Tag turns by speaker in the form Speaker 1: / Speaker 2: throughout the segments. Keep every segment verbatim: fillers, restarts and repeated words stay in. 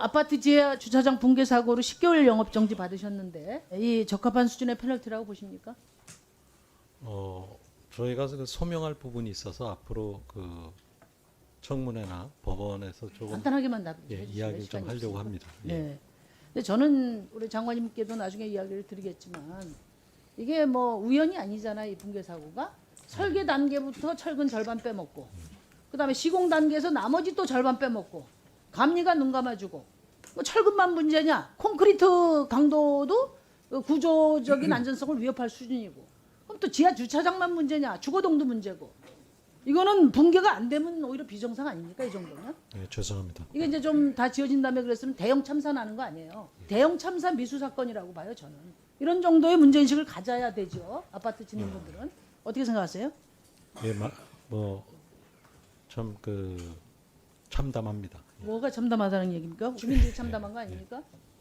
Speaker 1: 아파트 지하 주차장 붕괴 사고로 십 개월 영업 정지 받으셨는데 이 적합한 수준의 페널티라고 보십니까?
Speaker 2: 어, 저희가 그 소명할 부분이 있어서 앞으로 그 청문회나 법원에서 조금
Speaker 1: 간단하게만 답해
Speaker 2: 예,
Speaker 1: 주세요.
Speaker 2: 이야기를 좀
Speaker 1: 시간이
Speaker 2: 하려고
Speaker 1: 없으니까.
Speaker 2: 합니다. 예.
Speaker 1: 네. 근데 저는 우리 장관님께도 나중에 이야기를 드리겠지만 이게 뭐 우연이 아니잖아요. 이 붕괴 사고가 설계 단계부터 철근 절반 빼먹고 그다음에 시공 단계에서 나머지 또 절반 빼먹고 감리가 눈 감아주고 뭐 철근만 문제냐? 콘크리트 강도도 구조적인 안전성을 위협할 수준이고 그럼 또 지하 주차장만 문제냐? 주거동도 문제고 이거는 붕괴가 안 되면 오히려 비정상 아닙니까? 이 정도면?
Speaker 2: 예, 죄송합니다.
Speaker 1: 이게 이제 좀 다 지어진 다음에 그랬으면 대형 참사 나는 거 아니에요. 대형 참사 미수 사건이라고 봐요, 저는. 이런 정도의 문제인식을 가져야 되죠. 아파트 짓는 분들은. 어떻게 생각하세요?
Speaker 2: 예, 뭐참 그 참담합니다. 예.
Speaker 1: 뭐가 참담하다는 얘기입니까? 주민들이 참담한 거 아닙니까?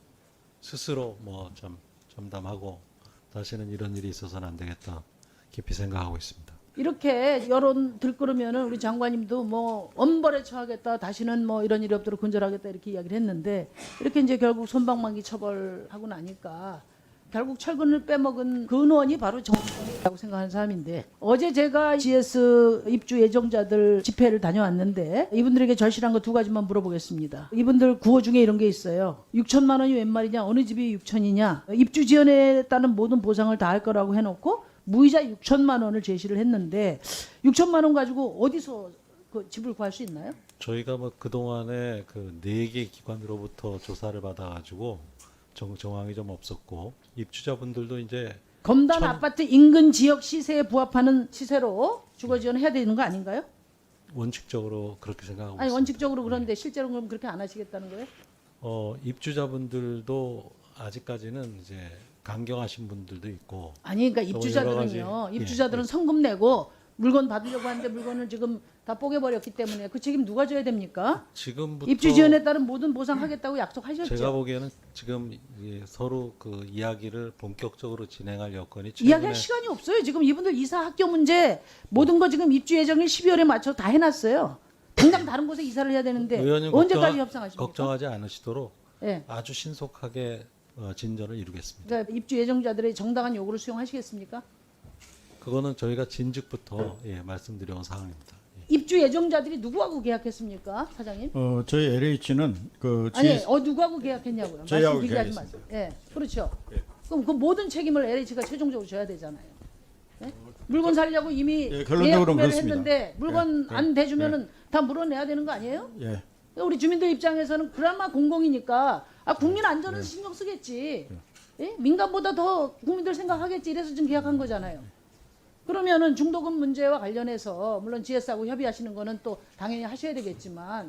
Speaker 2: 스스로 뭐 참 참담하고 다시는 이런 일이 있어서는 안 되겠다 깊이 생각하고 있습니다.
Speaker 1: 이렇게 여론 들끓으면은 우리 장관님도 뭐 엄벌에 처하겠다, 다시는 뭐 이런 일이 없도록 근절하겠다 이렇게 이야기를 했는데 이렇게 이제 결국 손방망이 처벌하고 나니까 결국 철근을 빼먹은 근원이 바로 정권이라고 생각하는 사람인데 어제 제가 지에스 입주 예정자들 집회를 다녀왔는데 이분들에게 절실한 거 두 가지만 물어보겠습니다. 이분들 구호 중에 이런 게 있어요. 육천만 원이 웬 말이냐, 어느 집이 육천이냐, 입주 지연에 따른 모든 보상을 다 할 거라고 해놓고 무이자 육천만 원을 제시를 했는데 육천만 원 가지고 어디서 그 집을 구할 수 있나요?
Speaker 2: 저희가 뭐 그동안에 그 네 개 기관으로부터 조사를 받아가지고 정, 정황이 좀 없었고 입주자분들도 이제
Speaker 1: 검단
Speaker 2: 천-
Speaker 1: 아파트 인근 지역 시세에 부합하는 시세로 주거 지원해야 되는 거 아닌가요?
Speaker 2: 원칙적으로 그렇게 생각하고
Speaker 1: 아니
Speaker 2: 있습니다.
Speaker 1: 원칙적으로 그런데 실제로 그럼 그렇게 안 하시겠다는 거예요?
Speaker 2: 어, 입주자분들도 아직까지는 이제 강경하신 분들도 있고
Speaker 1: 아니 그러니까
Speaker 2: 또
Speaker 1: 입주자들은요.
Speaker 2: 여러 가지-
Speaker 1: 입주자들은
Speaker 2: 예,
Speaker 1: 성금 내고 물건 받으려고 하는데 물건을 지금 다 뽀개버렸기 때문에 그 책임 누가 져야 됩니까?
Speaker 2: 지금부터
Speaker 1: 입주 지원에 따른 모든 보상하겠다고 약속하셨죠.
Speaker 2: 제가 보기에는 지금 이 서로 그 이야기를 본격적으로 진행할 여건이
Speaker 1: 이야기할
Speaker 2: 최근에
Speaker 1: 시간이 없어요. 지금 이분들 이사 학교 문제 모든 거 지금 입주 예정일 십이월에 맞춰 다 해놨어요. 당장 다른 곳에 이사를 해야 되는데
Speaker 2: 의원님
Speaker 1: 언제까지
Speaker 2: 걱정하-
Speaker 1: 협상하십니까?
Speaker 2: 걱정하지 않으시도록
Speaker 1: 예.
Speaker 2: 아주 신속하게 어, 진전을 이루겠습니다.
Speaker 1: 그러니까 입주 예정자들의 정당한 요구를 수용하시겠습니까?
Speaker 2: 그거는 저희가 진즉부터 예, 말씀드려온 사항입니다. 예.
Speaker 1: 입주 예정자들이 누구하고 계약했습니까, 사장님?
Speaker 3: 어, 저희 엘에이치는 그
Speaker 1: 아니,
Speaker 3: 지에스
Speaker 1: 어 누구하고 계약했냐고요.
Speaker 3: 저희하고
Speaker 1: 말씀 길게 하지 마세요. 예, 그렇죠. 그럼 그 모든 책임을 엘에이치가 최종적으로 져야 되잖아요. 예? 물건 살려고 이미
Speaker 3: 예,
Speaker 1: 예약
Speaker 3: 결론적으로는
Speaker 1: 구매를
Speaker 3: 그렇습니다.
Speaker 1: 했는데 물건
Speaker 3: 예,
Speaker 1: 안
Speaker 3: 예,
Speaker 1: 대주면은 다 물어내야 되는 거 아니에요?
Speaker 3: 예.
Speaker 1: 그러니까 우리 주민들 입장에서는 그나마 공공이니까 아 국민 안전은 신경 쓰겠지. 예? 민간보다 더 국민들 생각하겠지. 이래서 지금 계약한 거잖아요. 그러면은 중도금 문제와 관련해서 물론 지에스하고 협의하시는 거는 또 당연히 하셔야 되겠지만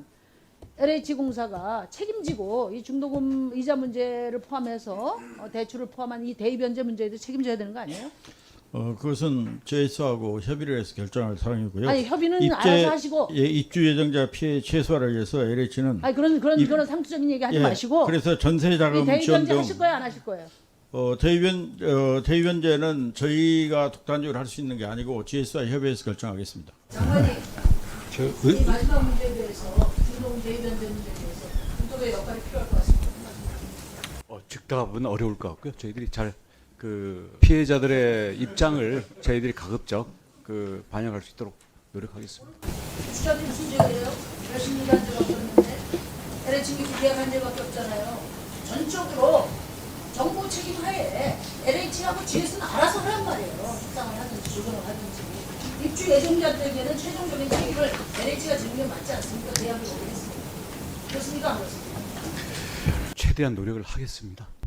Speaker 1: 엘에이치공사가 책임지고 이 중도금 이자 문제를 포함해서 어, 대출을 포함한 이 대입 변제 문제에도 책임져야 되는 거 아니에요?
Speaker 3: 어, 그것은 지에스하고 협의를 해서 결정할 사항이고요.
Speaker 1: 아니 협의는 알아서 하시고
Speaker 3: 예, 입주 예정자 피해 최소화를 위해서 엘에이치는
Speaker 1: 아니 그런 그런
Speaker 3: 입-
Speaker 1: 그런 상투적인 얘기 하지
Speaker 3: 예,
Speaker 1: 마시고
Speaker 3: 그래서 전세
Speaker 1: 이
Speaker 3: 자금
Speaker 1: 대입
Speaker 3: 지원
Speaker 1: 변제
Speaker 3: 등
Speaker 1: 하실 거예요, 안 하실 거예요?
Speaker 3: 어, 대입변 어, 대입변제는 저희가 독단적으로 할 수 있는 게 아니고 지에스와 협의해서 결정하겠습니다.
Speaker 1: 장관님,
Speaker 2: 저
Speaker 1: 이 마지막 문제에 대해서 중도금 대입 변제 문제에 대해서 중도의 역할이 필요할 것 같습니다.
Speaker 4: 어, 즉답은 어려울 것 같고요. 저희들이 잘 그 피해자들의 입장을 저희들이 가급적 그 반영할 수 있도록 노력하겠습니다.
Speaker 1: 주자들이 무슨 죄예요? 열심히 일한 적밖에 없는데 엘에이치 계약한 적밖에 없잖아요. 전적으로 정부 책임 하에 엘에이치하고 지에스는 알아서 하란 말이에요. 협상을 하든지 조정을 하든지. 입주 예정자들에게는 최종적인 책임을 엘에이치가 지는 게 맞지 않습니까? 계약을 오래 했습니다. 그렇습니까? 안 그렇습니까?
Speaker 4: 최대한 노력을 하겠습니다.